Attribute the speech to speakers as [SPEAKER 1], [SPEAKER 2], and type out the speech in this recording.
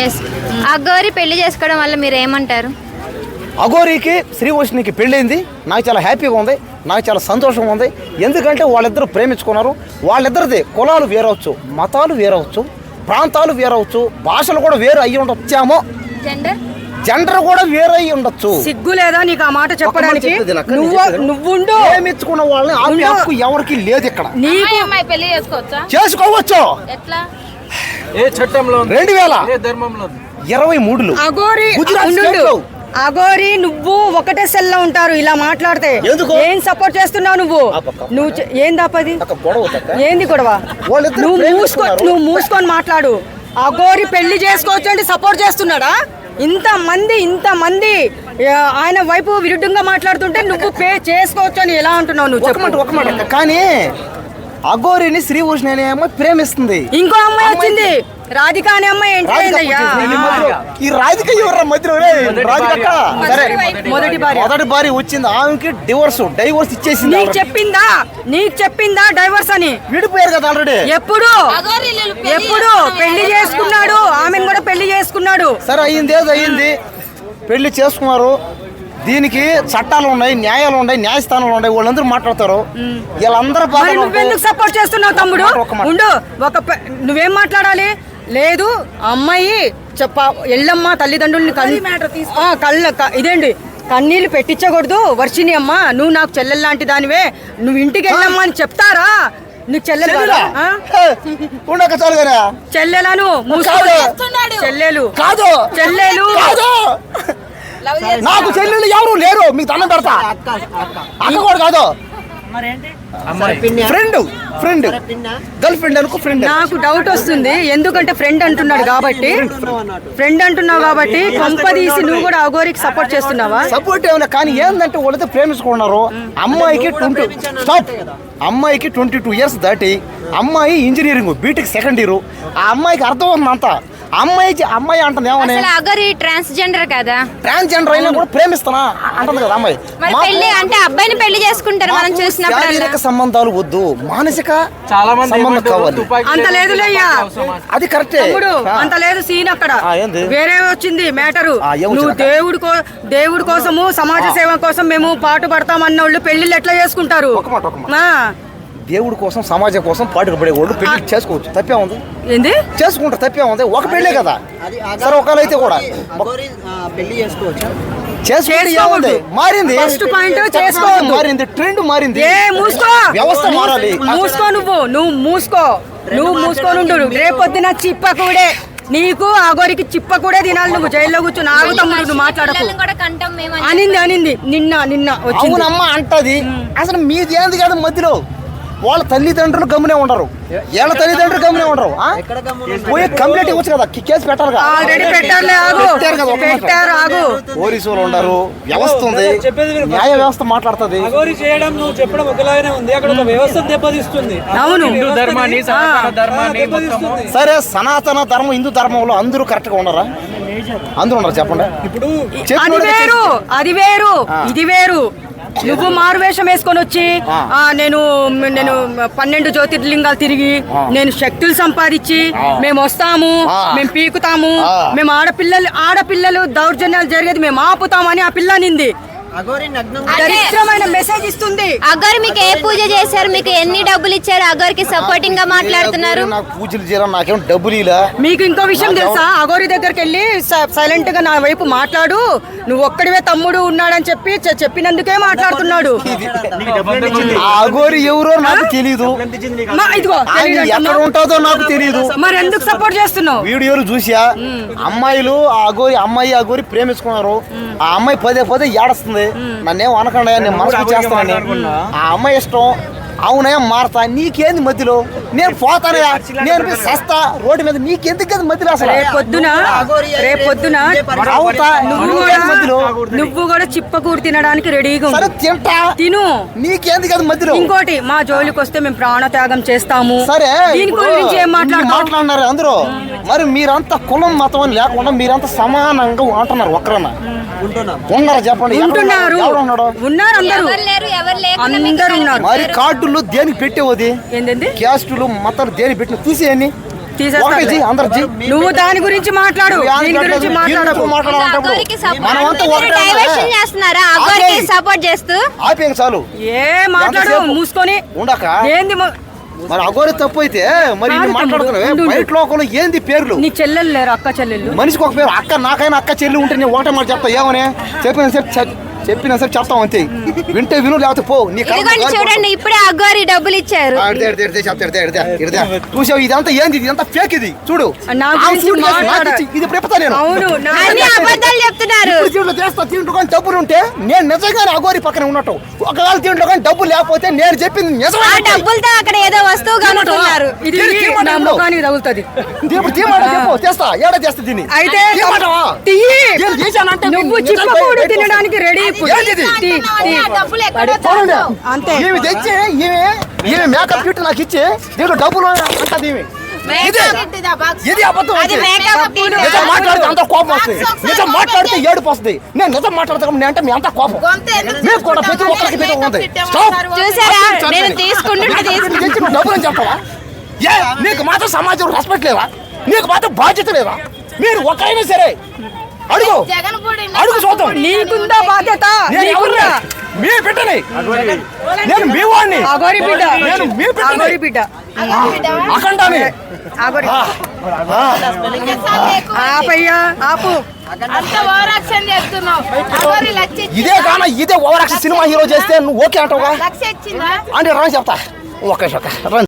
[SPEAKER 1] అఘోరి పెళ్లి చేసుకోవడం వల్ల మీరు ఏమంటారు?
[SPEAKER 2] అఘోరికి శ్రీవోషినికి పెళ్ళైంది, నాకు చాలా హ్యాపీగా ఉంది, నాకు చాలా సంతోషంగా ఉంది. ఎందుకంటే వాళ్ళిద్దరు ప్రేమించుకున్నారు. వాళ్ళిద్దరిది కులాలు వేరవచ్చు, మతాలు వేరవచ్చు, ప్రాంతాలు వేరవచ్చు, భాషలు కూడా వేరు అయ్యి ఉండొచ్చామో, జెండర్ కూడా వేరే అయ్యి ఉండొచ్చు.
[SPEAKER 3] సిగ్గు లేదా నీకు ఆ మాట చెప్పడానికి? నువ్వు
[SPEAKER 2] ప్రేమించుకున్న వాళ్ళని ఆపే హక్కు ఎవరికి లేదు ఇక్కడ. చేసుకోవచ్చు. 2023లో
[SPEAKER 3] అఘోరి నువ్వు ఒకటే సెల్ లో ఉంటారు. ఇలా మాట్లాడితే ఏం సపోర్ట్ చేస్తున్నావు నువ్వు? ఏందాపది? ఏంది గొడవ? నువ్వు మూసుకొని మాట్లాడు. అఘోరి పెళ్లి చేసుకోవచ్చు అంటే సపోర్ట్ చేస్తున్నాడా? ఇంతమంది ఆయన వైపు విరుద్ధంగా మాట్లాడుతుంటే నువ్వు చేసుకోవచ్చు అని ఎలా అంటున్నావు? నువ్వు
[SPEAKER 2] ఒక మాట కానీ అఘోరిని శ్రీభూషణ్ అనే అమ్మాయి ప్రేమిస్తుంది.
[SPEAKER 3] ఇంకో అమ్మాయి వచ్చింది, రాధిక అనే అమ్మాయి.
[SPEAKER 2] ఈ రాధిక ఎవరు మధ్యలో? మొదటి భార్య వచ్చింది, ఆమెకి డైవర్స్ ఇచ్చేసింది.
[SPEAKER 3] నీకు చెప్పిందా డైవర్స్ అని?
[SPEAKER 2] విడిపోయారు కదా ఆల్రెడీ.
[SPEAKER 3] ఎప్పుడు పెళ్లి చేసుకున్నాడు, ఆమెను కూడా పెళ్లి చేసుకున్నాడు.
[SPEAKER 2] సరే అయ్యింది, పెళ్లి చేసుకున్నారు. దీనికి చట్టాలు ఉన్నాయి, న్యాయాలు ఉన్నాయి, న్యాయస్థానాలు ఉన్నాయి, వాళ్ళందరూ మాట్లాడతారు. వీళ్ళందరూ
[SPEAKER 3] నువ్వెందుకు సపోర్ట్ చేస్తున్నావు తమ్ముడు? ఉండు, నువ్వేం మాట్లాడాలి? లేదు అమ్మాయి ఎల్లమ్మ తల్లిదండ్రుల్ని ఇదేంటి కన్నీళ్లు పెట్టించకూడదు. వర్షిని అమ్మ, నువ్వు నాకు చెల్లెలు లాంటి దానివే, నువ్వు ఇంటికి వెళ్ళమ్మా అని చెప్తారా? నీకు చెల్లెలు చెల్లెలను చెల్లెలు
[SPEAKER 2] నాకు చెల్లెలు ఎవరు లేరు, మీకు దండం పెడతా. అక్క కూడా కాదు, ఫ్రెండ్ గర్ల్ ఫ్రెండ్ అనుకో. ఫ్రెండ్
[SPEAKER 3] నాకు డౌట్ వస్తుంది, ఎందుకంటే ఫ్రెండ్ అంటున్నావు కాబట్టి కొంపదీసి నువ్వు కూడా అఘోరికి సపోర్ట్ చేస్తున్నావా?
[SPEAKER 2] సపోర్ట్ ఏమన్నా కానీ ఏంటంటే వాళ్ళతో ప్రేమించుకున్నారు. అమ్మాయికి 22 ఇయర్స్ దాటి, అమ్మాయి ఇంజనీరింగ్ బీటెక్ సెకండ్ ఇయర్. ఆ అమ్మాయికి అర్థం అవుతుందంతా. అమ్మాయి అంటుంది ఏమని,
[SPEAKER 1] అఘోరి ట్రాన్స్జెండర్ కదా,
[SPEAKER 2] ట్రాన్స్జెండర్ అయినా కూడా ప్రేమిస్తానా అంటుంది కదా అమ్మాయి.
[SPEAKER 1] అంటే అబ్బాయిని పెళ్లి చేసుకుంటారు మనం చూసినప్పుడు.
[SPEAKER 2] శారీరక సంబంధాలు వద్దు, మానసిక సంబంధం కావాలి.
[SPEAKER 3] అంత లేదులేయ్యా,
[SPEAKER 2] అది కరెక్టే.
[SPEAKER 3] అంత లేదు సీన్ అక్కడ, వేరే వచ్చింది మ్యాటరు. నువ్వు దేవుడి కోసము సమాజ సేవ కోసం మేము పాటు పడతామన్న వాళ్ళు పెళ్లిళ్ళు ఎట్లా చేసుకుంటారు?
[SPEAKER 2] దేవుడి కోసం సమాజం కోసం పాటుకు పడే వాళ్ళు పెళ్లి చేసుకోవచ్చు, తప్పే ఉంది?
[SPEAKER 3] ఏంది
[SPEAKER 2] చేసుకుంటారు, తప్పే ఉంది? ఒక పెళ్లే కదా. సరే ఒకళ్ళు అయితే కూడా
[SPEAKER 4] పెళ్లి చేసుకోవచ్చు.
[SPEAKER 2] మారింది, మారింది, ట్రెండ్ మారింది. వ్యవస్థ మారాలి.
[SPEAKER 3] నువ్వు మూసుకోనుండు. రేపొద్దున చిప్పకూడే నీకు అఘోరికి చిప్పకూడే తినాలి. నువ్వు జైల్లో కూర్చొని ఆగు తమ్ముడు, నువ్వు మాట్లాడకు అనింది. నిన్న
[SPEAKER 2] వచ్చిందమ్మ అంటది. అసలు మీది ఏంది కాదు మధ్యలో. వాళ్ళ తల్లిదండ్రులు గమ్మునే ఉండరు, వీళ్ళ తల్లిదండ్రులు గమ్మునే ఉండరు. పోయి కంప్లైంట్ ఇవ్వచ్చు కదా, కేసు పెట్టాలి కదా. పోలీసులు ఉండరు, వ్యవస్థ ఉంది, న్యాయ వ్యవస్థ మాట్లాడుతుంది.
[SPEAKER 3] అవును,
[SPEAKER 2] సరే సనాతన ధర్మం, హిందూ ధర్మంలో అందరూ కరెక్ట్ గా ఉండరా? అందరూ ఉండరు చెప్పండి. ఇప్పుడు
[SPEAKER 3] అది వేరు ఇది వేరు. నువ్వు మారువేషం వేసుకొని వచ్చి నేను 12 జ్యోతిర్లింగాలు తిరిగి నేను శక్తులు సంపాదించి మేము వస్తాము, మేము పీకుతాము, మేము ఆడపిల్లలు దౌర్జన్యాలు జరిగేది మేము ఆపుతామని ఆ పిల్ల నింది. దరిద్రమైన మెసేజ్ ఇస్తుంది.
[SPEAKER 1] అఘోరి మీకు ఏ పూజ చేశారు? మీకు ఎన్ని డబ్బులు ఇచ్చారు? అఘోరికి సపోర్టింగ్ గా మాట్లాడుతున్నారు.
[SPEAKER 2] పూజలు చేయడం నాకేం డబ్బులు ఇలా.
[SPEAKER 3] మీకు ఇంకో విషయం తెలుసా? అఘోరి దగ్గరికి వెళ్ళి సైలెంట్ గా నా వైపు మాట్లాడు, నువ్వు ఒక్కడివే తమ్ముడు ఉన్నాడని చెప్పినందుకే మాట్లాడుతున్నాడు.
[SPEAKER 2] అఘోరి ఎవరో నాకు తెలీదు, ఎక్కడ ఉంటుందో నాకు తెలీదు.
[SPEAKER 3] మరి ఎందుకు సపోర్ట్ చేస్తున్నావు?
[SPEAKER 2] వీడియోలు చూసా, అమ్మాయిలు అమ్మాయి అఘోరి ప్రేమించుకున్నారు. ఆ అమ్మాయి పదే ఏడుస్తుంది, నన్నేం అనకుండా నేను మనసు చేస్తానని. ఆ అమ్మాయి ఇష్టం, అవునయ్యా మారతా, నీకేంది మధ్యలో? నేను పోతానయ్యా, నేను సస్తా రోడ్డు మీద, నీకెందుకు కదా మధ్యలో? అసలు
[SPEAKER 3] రేపొద్దున నువ్వు కూడా చిప్పకూరు తినడానికి రెడీగా
[SPEAKER 2] తింటా,
[SPEAKER 3] తిను,
[SPEAKER 2] నీకేంది కదా మధ్యలో?
[SPEAKER 3] ఇంకోటి, మా జోలికి వస్తే మేము ప్రాణత్యాగం చేస్తాము.
[SPEAKER 2] సరే,
[SPEAKER 3] దీని గురించి ఏం
[SPEAKER 2] మాట్లాడుతున్నారు అందరూ? మరి మీరంతా కులం మతం అని లేకుండా మీరంతా సమానంగా ఉంటున్నారు. ఒక్కరన్నా ఉన్నారు చెప్పండి?
[SPEAKER 3] ఉన్నారు అందరూ ఉన్నారు.
[SPEAKER 2] మరి కార్డులు దేనికి పెట్టేవది? క్యాస్టులు మతాలు దేనికి పెట్టిన చూసేయండి. ఒకటి అందరిది.
[SPEAKER 3] నువ్వు దాని గురించి మాట్లాడు, దీని గురించి మాట్లాడకు.
[SPEAKER 1] అఘోరికి
[SPEAKER 2] మనమంతా ఒకటే
[SPEAKER 1] డైవర్షన్ చేస్తున్నారా అఘోరికి సపోర్ట్ చేస్తూ?
[SPEAKER 2] ఆపేయం చాలు
[SPEAKER 3] ఏ మాట్లాడు
[SPEAKER 2] ఎంతసేపు?
[SPEAKER 3] మూసుకొని.
[SPEAKER 2] ఉండక
[SPEAKER 3] ఏంది
[SPEAKER 2] మరి అఘోరి తప్పు అయితే మరి
[SPEAKER 3] కాదు
[SPEAKER 2] మాట్లాడుతున్నావే
[SPEAKER 3] తమ్ముడు, ఉండు.
[SPEAKER 2] బయట లోకంలో ఏంది పేర్లు?
[SPEAKER 3] నీ చెల్లెలు లేరు, అక్క చెల్లెళ్ళు?
[SPEAKER 2] మనిషికి ఒక పేరు అక్క, నాకైనా అక్క చెల్లి ఉంటే నేను ఒకటే మాట చెప్తా. ఏమని చెప్పిన సేపు చెప్తాం అంతే. వింటే విను, లేకపోతే పో. నీ
[SPEAKER 1] ఇదిగోండి చూడండి, ఇప్పుడే అఘోరి డబ్బులు ఇచ్చారు.
[SPEAKER 2] చూసావు ఇదంతా ఏంది? ఇదంతా ఫేక్. ఇది చూడు,
[SPEAKER 3] నా
[SPEAKER 2] ఆ
[SPEAKER 3] గురించి
[SPEAKER 2] సూట్ కేసు నాకు
[SPEAKER 3] మాట్లాడ-
[SPEAKER 2] ఇచ్చి, ఇది ఇప్పుడు చెప్తా నేను.
[SPEAKER 3] అవును, నా-
[SPEAKER 1] అన్ని అబద్ధాలు చెప్తున్నారు.
[SPEAKER 2] ఇప్పుడు దీంట్లో చేస్తా, దీంట్లో కానీ డబ్బులు ఉంటే నేను నిజంగానే అఘోరి పక్కన ఉన్నట్టు. ఒకవేళ దీంట్లో కానీ డబ్బులు లేకపోతే నేను చెప్పింది
[SPEAKER 1] ఆ
[SPEAKER 2] నిజమే.
[SPEAKER 1] డబ్బులతో అక్కడ ఏదో వస్తువు కనుక్కున్నారు.
[SPEAKER 3] ఇది
[SPEAKER 2] తీయమంటావా?
[SPEAKER 3] నా ముఖానికి తగులుతుంది.
[SPEAKER 2] ఇప్పుడు తీయమాట చెప్పు, తెస్తా. ఏడా చేస్తా దీన్ని?
[SPEAKER 3] అయితే
[SPEAKER 2] తీయమంటావా?
[SPEAKER 3] తీయి.
[SPEAKER 2] నేను చేశానంటే
[SPEAKER 3] నువ్వు
[SPEAKER 2] నేను
[SPEAKER 3] చిప్పకూడు
[SPEAKER 2] నిజంగా
[SPEAKER 3] తినడానికి రెడీ ఇప్పుడు.
[SPEAKER 2] ఏంటిది?
[SPEAKER 3] తీ, తీ.
[SPEAKER 2] చూడండి.
[SPEAKER 3] అంతే.
[SPEAKER 2] ఈమె తెచ్చి ఈమె మేకప్ కిట్ నాకు ఇచ్చి దీంట్లో డబ్బులు అంటది ఈమె. ఇది అబద్ధం.
[SPEAKER 1] అది
[SPEAKER 2] అంటే.
[SPEAKER 1] Makeup kit.
[SPEAKER 2] నిజం మాట్లాడితే అంత కోపం వస్తుంది. నిజం మాట్లాడితే ఏడుపు వస్తుంది. నేను నిజం మాట్లాడతాను నేను అంటే మీ అంత కోపం. మీకు కూడా ప్రతి ఒక్కరికి ప్రతి ఉంది. స్టాప్.
[SPEAKER 1] చూసారా, నేను తీసుకుంటుంటే
[SPEAKER 2] ఇది తెచ్చి నువ్వు డబ్బులు అని చెప్తావా? ఏ నీకు మాత్రం సమాజం రెస్పెక్ట్ లేదా? నీకు మాత్రం బాధ్యత లేదా? మీరు ఒకరైనా సరే అడుగు అడుగు చూద్దాం.
[SPEAKER 3] నీకుందా బాధ్యత?
[SPEAKER 2] నేను
[SPEAKER 3] నీకుందా?
[SPEAKER 2] ఎవరిని? మీ బిడ్డని. నేను మీ వాడిని.
[SPEAKER 3] అఘోరి బిడ్డ.
[SPEAKER 2] నేను మీ బిడ్డని.
[SPEAKER 3] అఘోరి బిడ్డ.
[SPEAKER 2] అఖండాని.
[SPEAKER 3] అఘోరి. ఆపయ్యా, ఆపు.
[SPEAKER 2] ఇదే గాన ఇదే ఓవరాక్షన్ సినిమా హీరో చేస్తే నువ్వు ఓకే అంటావుగా? అంటే రా చెప్తా. ఒక్క